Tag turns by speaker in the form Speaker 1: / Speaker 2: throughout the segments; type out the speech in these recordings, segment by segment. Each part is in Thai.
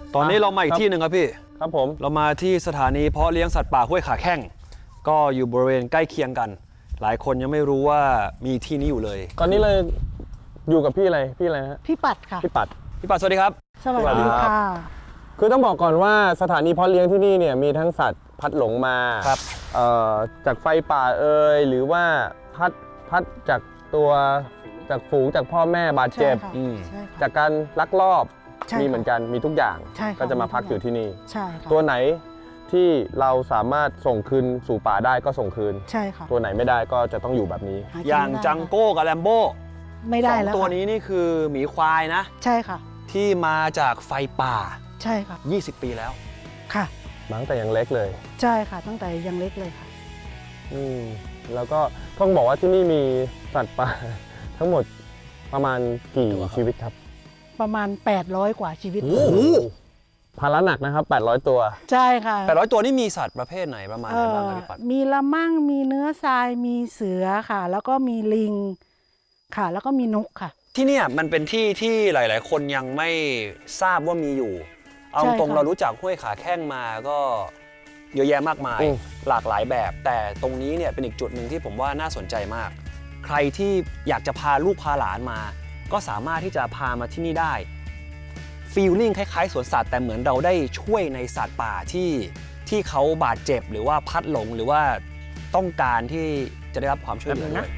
Speaker 1: ตอนนี้เรามาอีกที่หนึ่งครับพี่
Speaker 2: ครับผม
Speaker 1: เรามาที่สถานีเพาะเลี้ยงสัตว์ป่าห้วยขาแข้งก็อยู่บริเวณใกล้เคียงกัน หลายคนยังไม่รู้ว่ามีที่นี้อยู่เลย
Speaker 2: ตอนนี้เลยอยู่กับพี่อะไรนะฮะ
Speaker 3: พี่ปัดค่ะ
Speaker 2: พี่ปัด
Speaker 1: พี่ปัดสวัสดีครับ
Speaker 3: สวัสดีค่ะ
Speaker 2: คือต้องบอกก่อนว่าสถานีเพาะเลี้ยงที่นี่เนี่ยมีทั้งสัตว์พัดหลงมา
Speaker 1: ครับ
Speaker 2: จากไฟป่าหรือว่าพัดจากฝูงจากพ่อแม่บาดเจ็บ
Speaker 3: ใช่ค่ะ
Speaker 2: จากการลักลอบ
Speaker 3: ใช่ค่ะ
Speaker 2: มีเหมือนกันมีทุกอย่าง
Speaker 3: ใช่ค่ะ
Speaker 2: ก็จะมาพักอยู่ที่นี่
Speaker 3: ใช่ค่ะ
Speaker 2: ตัวไหนที่เราสามารถส่งคืนสู่ป่าได้ก็ส่งคืน
Speaker 3: ใช่ค่ะ
Speaker 2: ตัวไหนไม่ได้ก็จะต้องอยู่แบบนี้
Speaker 3: หกิน
Speaker 1: อย่าง
Speaker 3: ไม่ได้
Speaker 1: จังโก้กับแลมโบ้
Speaker 3: ไม่ได้
Speaker 1: สอง
Speaker 3: แล้ว
Speaker 1: ตัว
Speaker 3: ค่ะ
Speaker 1: นี้นี่คือหมีควายนะ
Speaker 3: ใช่ค่ะ
Speaker 1: ที่มาจากไฟป่า
Speaker 3: ใช่ค่ะ
Speaker 1: 20 ปีแล้ว
Speaker 3: ค่ะ
Speaker 2: มาตั้งแต่ยังเล็กเลย
Speaker 3: ใช่ค่ะ ตั้งแต่ยังเล็กเลยค่ะ
Speaker 2: แล้วก็ต้องบอกว่าที่นี่มีสัตว์ป่า ทั้งหมดประมาณกี่ชีวิตครับ
Speaker 3: ประมาณ800 กว่าชีวิต
Speaker 2: ภาระหนักนะครับ800 ตัว
Speaker 3: ใช่ค่ะ
Speaker 1: 800 ตัวนี่มีสัตว์ประเภทไหนประมาณไหนบ้างครับพี่ปัด
Speaker 3: มีละมั่งมีเนื้อทรายมีเสือค่ะ แล้วก็มีลิงค่ะ แล้วก็มีนกค่ะ
Speaker 1: ที่เนี่ยมันเป็นที่ที่หลาย ๆ คนยังไม่ทราบว่ามีอยู่ เอาตรงเรารู้จักห้วยขาแข้งมาก็เยอะแยะมากมาย หลากหลายแบบ แต่ตรงนี้เนี่ยเป็นอีกจุดหนึ่งที่ผมว่าน่าสนใจมาก ใครที่อยากจะพาลูกพาหลานมา ก็สามารถที่จะพามาที่นี่ได้ฟีลลิ่งคล้าย ๆ สวนสัตว์แต่เหมือนเราได้ช่วยในสัตว์ป่าที่เขาบาดเจ็บหรือว่าพัดหลงหรือว่าต้องการที่จะได้รับความช่วยเหลือด้วย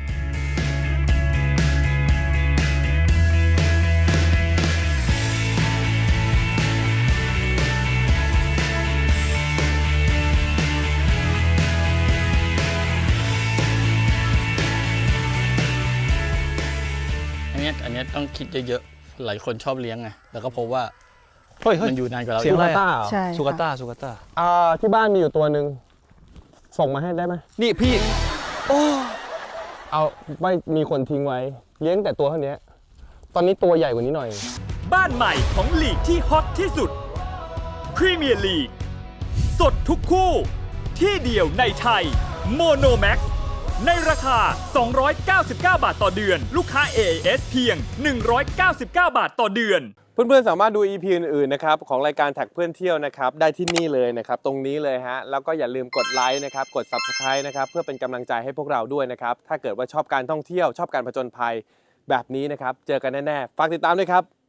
Speaker 4: อันนี้ต้องคิดเยอะๆ หลายคนชอบเลี้ยงไง แล้วก็พบว่า
Speaker 1: เฮ้ย
Speaker 4: มันอยู่นานกว่าเรา
Speaker 1: เสียงอะไร
Speaker 2: ต้า
Speaker 1: อะ
Speaker 3: ใช่
Speaker 1: สุกา
Speaker 3: ค่ะ
Speaker 1: ต้าสุกาต้า
Speaker 2: ที่บ้านมีอยู่ตัวหนึ่งส่งมาให้ได้ไหม
Speaker 1: นี่พี่
Speaker 2: เอาไม่มีคนทิ้งไว้ เลี้ยงแต่ตัวเท่านี้ตอนนี้ตัวใหญ่กว่านี้หน่อย
Speaker 5: บ้านใหม่ของลีกที่ฮอตที่สุดพรีเมียร์ลีกสดทุกคู่ที่เดียวในไทยโมโนแม็กซ์ในราคา 299 บาทต่อเดือน ลูกค้า AIS เพียง 199 บาทต่อเดือน
Speaker 2: เพื่อนๆ สามารถดู EP อื่นๆ นะครับของรายการแท็กเพื่อนเที่ยวนะครับได้ที่นี่เลยนะครับตรงนี้เลยฮะแล้วก็อย่าลืมกดไลค์นะครับกด Subscribe นะครับเพื่อเป็นกำลังใจให้พวกเราด้วยนะครับถ้าเกิดว่าชอบการท่องเที่ยวชอบการผจญภัยแบบนี้นะครับเจอกันแน่ๆฝากติดตามด้วยครับ